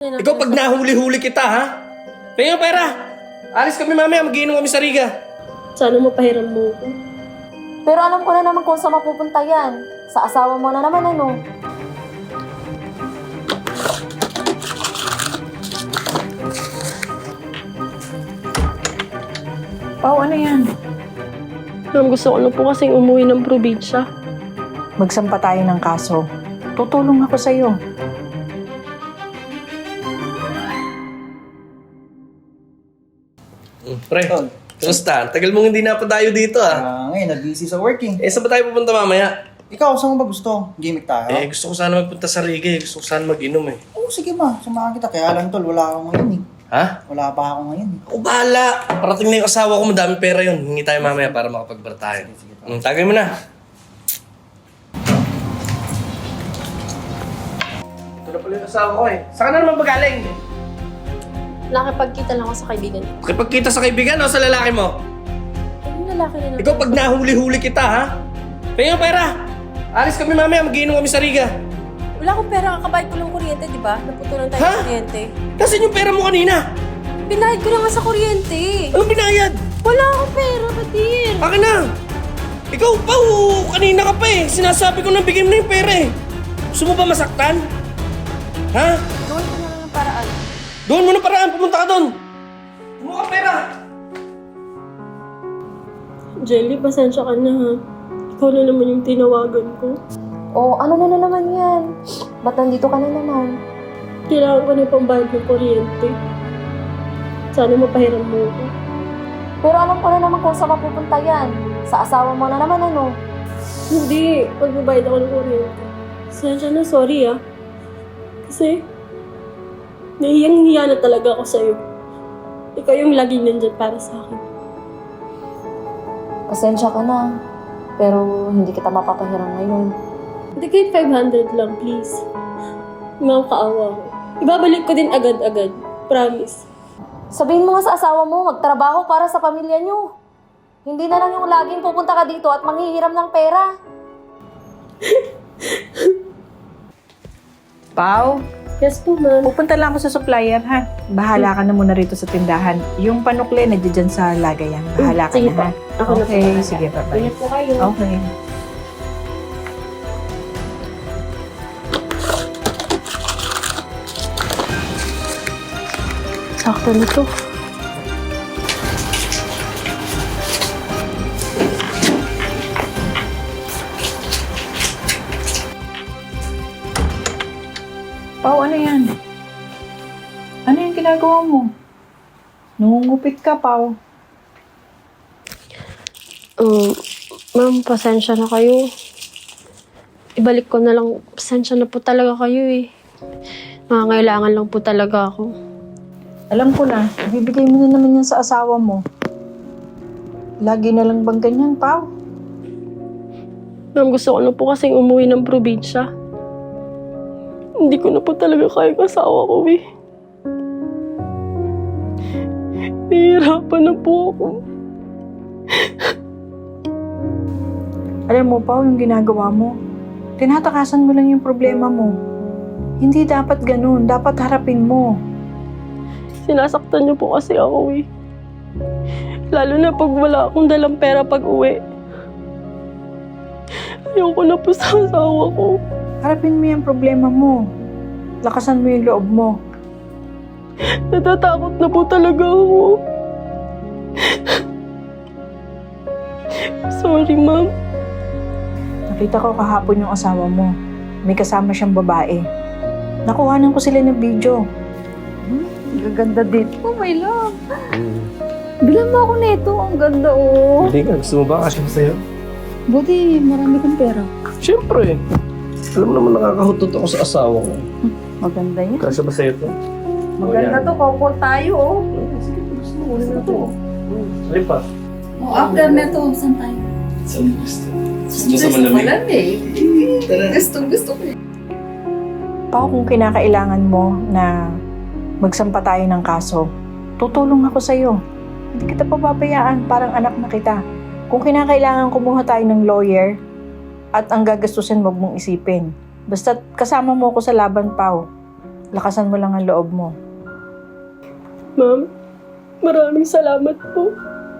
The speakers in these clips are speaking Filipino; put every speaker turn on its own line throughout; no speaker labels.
na.
Ikaw pag nahuli-huli kita, ha? Kaya yung pera! Alis kami mamaya, mag-iinom kami sa Riga.
Sana mapahiram mo ko.
Pero alam ko na naman kung saan mapupunta yan. Sa asawa mo na naman, ano?
Pao, ano yan?
Ma'am, gusto ko na po kasing umuwi ng probinsya.
Magsampa tayo ng kaso. Tutulong ako sa'yo.
Pre, kamusta? Tagal mong hindi napadayo dito, ah.
Ngayon, nag-busy sa working.
Saan ba tayo pupunta mamaya?
Ikaw, saan mo ba gusto? Gimmick tayo?
Gusto ko sana magpunta sa Riga, eh. Gusto ko sana mag-inom, eh.
Oo, sige ma. Samahan kita. Kaya lang tol, wala ako ngayon eh.
Ha?
Wala pa ako ngayon eh.
Ako bahala. Parating na yung asawa ko, madami pera yun. Hingi tayo mamaya para makapagbar tayo. Tagay mo na. Ito na pala yung asawa ko, eh. Saan ka na naman magaling?
Nakipagkita lang ako sa kaibigan ko.
Kapagkita sa kaibigan o sa lalaki mo?
Yung lalaki na naman.
Ikaw pag nahuli-huli kita, ha? Kaya yung pera! Alis kami mamaya, mag-iinom kami sa Riga.
Wala akong pera, kakabayad ko ng kuryente, di ba? Naputulan tayo
Ha?
ng kuryente.
Nasaan yung pera mo kanina?
Binayad ko na nga sa kuryente.
Anong binayad?
Wala akong pera, Badir.
Akin na! Ikaw pa, kanina ka pa eh. Sinasabi ko na bigyan mo na yung pera eh. Gusto mo ba masaktan? Ha?
Gawin ko na lang ng paraan.
Doon mo na paraan, pumunta ka doon. Kumuha ka pera.
Jelly, pasensya ka na ha. Ikaw na naman yung tinawagan ko.
O, ano na naman yan? Ba't nandito ka na naman?
Kailangan ko na pambayad ng kuryente. Sana mapahiram mo ko.
Pero alam ko na naman kung saan mapupunta yan. Sa asawa mo na naman, ano?
Hindi, magbabayad ako ng kuryente. Pasensya na, sorry ah. Kasi, nahiyang-hiya na talaga ako sa'yo. Ikaw yung laging nandyan para sa akin.
Pasensya ka na. Pero hindi kita mapapahiram ngayon.
Hindi kahit 500 lang, please. Makakaawa ko. Ibabalik ko din agad-agad. Promise.
Sabihin mo nga sa asawa mo, magtrabaho para sa pamilya niyo. Hindi na lang yung laging pupunta ka dito at manghihiram ng pera.
Pao,
Yes po, ma'am.
pupunta lang ako sa supplier, ha? Bahala ka na muna rito sa tindahan. Yung panukle, nandiyan sa lagayan. Bahala ka
Sige
na,
po.
ha?
Ako na po.
Okay, sige, bye-bye.
Ingat po kayo.
Okay.
Sakto na to.
Pao, ano yan? Ano yung ginagawa mo? Nungungupit ka, Pao.
Ma'am, pasensya na kayo. Ibalik ko na lang. Pasensya na po talaga kayo eh. Nangangailangan lang po talaga ako.
Alam ko na, ibibigay mo na naman yan sa asawa mo. Lagi na lang bang ganyan, Pao?
Ma'am, gusto ko na po kasing umuwi ng probinsya. Hindi ko na po talaga kaya kasawa ko eh. Nahihirapan na po ako.
Alam mo, Pao, yung ginagawa mo, tinatakasan mo lang yung problema mo. Hindi dapat ganun. Dapat harapin mo.
Sinasaktan niyo po kasi ako eh. Lalo na pag wala akong dalang pera pag uwi. Ayoko na po sa asawa ko.
Harapin mo yung problema mo. Lakasan mo yung loob mo.
Natatakot na po talaga ako. Sorry, ma'am.
Nakita ko kahapon yung asawa mo. May kasama siyang babae. Nakuhanan ko sila ng video.
Gaganda dito. Oh, my love. Bilang mo ako nito. Ang ganda, oh.
Hindi ka, gusto mo ba? Kasi sa'yo?
Buti, marami kang pera.
Siyempre. Alam naman nakakahutot ako sa asawa ko.
Maganda yan.
Kasi ba sa'yo to?
Maganda to. Couple tayo, oh.
Sige, gusto mo. Gusto to. Sige pa.
Oh, after neto, saan tayo?
Saan gusto?
Gusto ko lang eh. Gusto ko eh.
Pao, kung kinakailangan mo na magsampa tayo ng kaso, tutulong ako sa'yo. Hindi kita pababayaan, parang anak na kita. Kung kinakailangan kumuha tayo ng lawyer at ang gagastusin, wag mong isipin. Basta kasama mo ako sa laban, Pao. Lakasan mo lang ang loob mo.
Ma'am, maraming salamat po.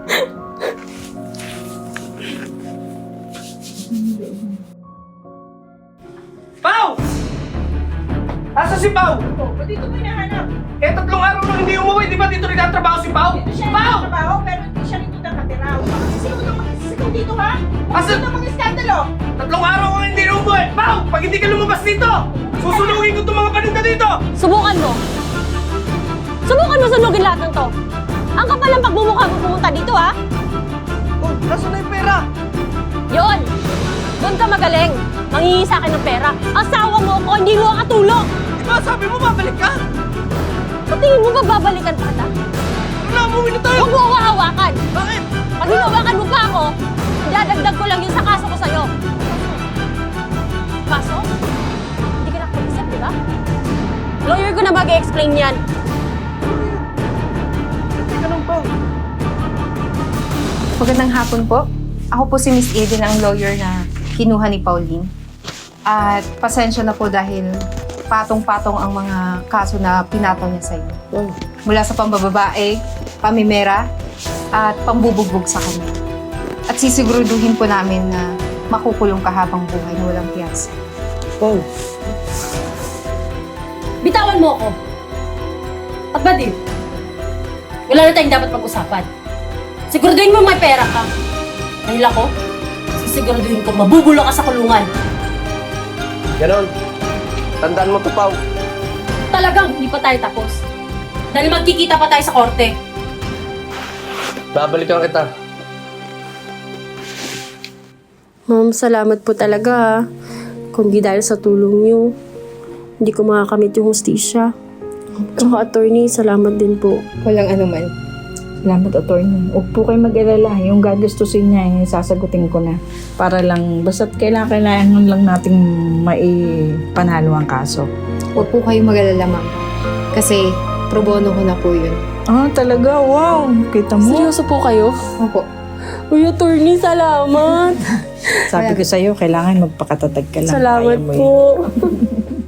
Pao! Asa si Pao?
Dito mo hinahanap.
Eh, 3 araw nang hindi umuwi. Di ba dito nagtatrabaho si Pao?
Dito siya
Pao!
nagtatrabaho, pero hindi siya rito nakatira. Sisigaw na magsisigaw dito, ha?
Asa?
Ano mga iskandalo?
3 araw kang hindi umuwi. Pao! Pag hindi ka lumabas dito, susunugin ko itong mga paninda dito!
Subukan mo! Subukan mo sunugin lahat ng to! Ang kapal ng pagmumukha mo pumunta dito, ha?
Oh, nasa na yung pera?
Yon! Doon ka magaling! Mangingi sa akin ng pera. Asawa mo ko, hindi mo katulong!
Di ba sabi mo babalik ka?
Sa tingin mo ba babalikan pa kita?
Ano na, umuwi na tayo!
Huwag mo ako hawakan!
Bakit?
Pag hinawakan mo pa ako, dadagdag ko lang yun sa kaso ko sa'yo. Kaso? Hindi ka nakapag-isip, di ba? Lawyer ko na mag-explain yan.
Hindi ka nang Pao.
Magandang hapon po. Ako po si Miss Eden, ang lawyer na kinuha ni Pauline. At pasensya na po dahil patong-patong ang mga kaso na pinataw niya sa iyo. Mula sa pambababae, pamimera, at pambubugbog sa kanya. At sisiguraduhin po namin na makukulong ka habang buhay na walang piyasa.
Pao.
Bitawan mo ako. At ba din? Wala na tayong dapat pag-usapan. Siguraduhin mo may pera ka. Dahil ako, sisiguraduhin ko mabubulok ka sa kulungan.
Ganon. Tandaan mo to, Pao.
Talagang hindi pa tayo tapos. Dahil magkikita pa tayo sa korte.
Babalikan kita.
Ma'am, salamat po talaga ha. Kung di dahil sa tulong niyo, hindi ko makakamit yung hustisya. Tsaka attorney, salamat din po.
Walang anuman.
Salamat, attorney. Huwag po kayo mag-alala. Yung gagastusin niya, yung sasagutin ko na. Para lang, basta't kailangan lang nating maipanalo ang kaso.
Huwag po kayong mag-alala, ma'am. Kasi pro bono ko na po yun.
Ah, talaga? Wow! Kita mo?
Seryoso po kayo?
Opo.
Uy, attorney, salamat.
Sabi ko sa'yo, kailangan magpakatatag ka lang.
Salamat
Kaya mo
po.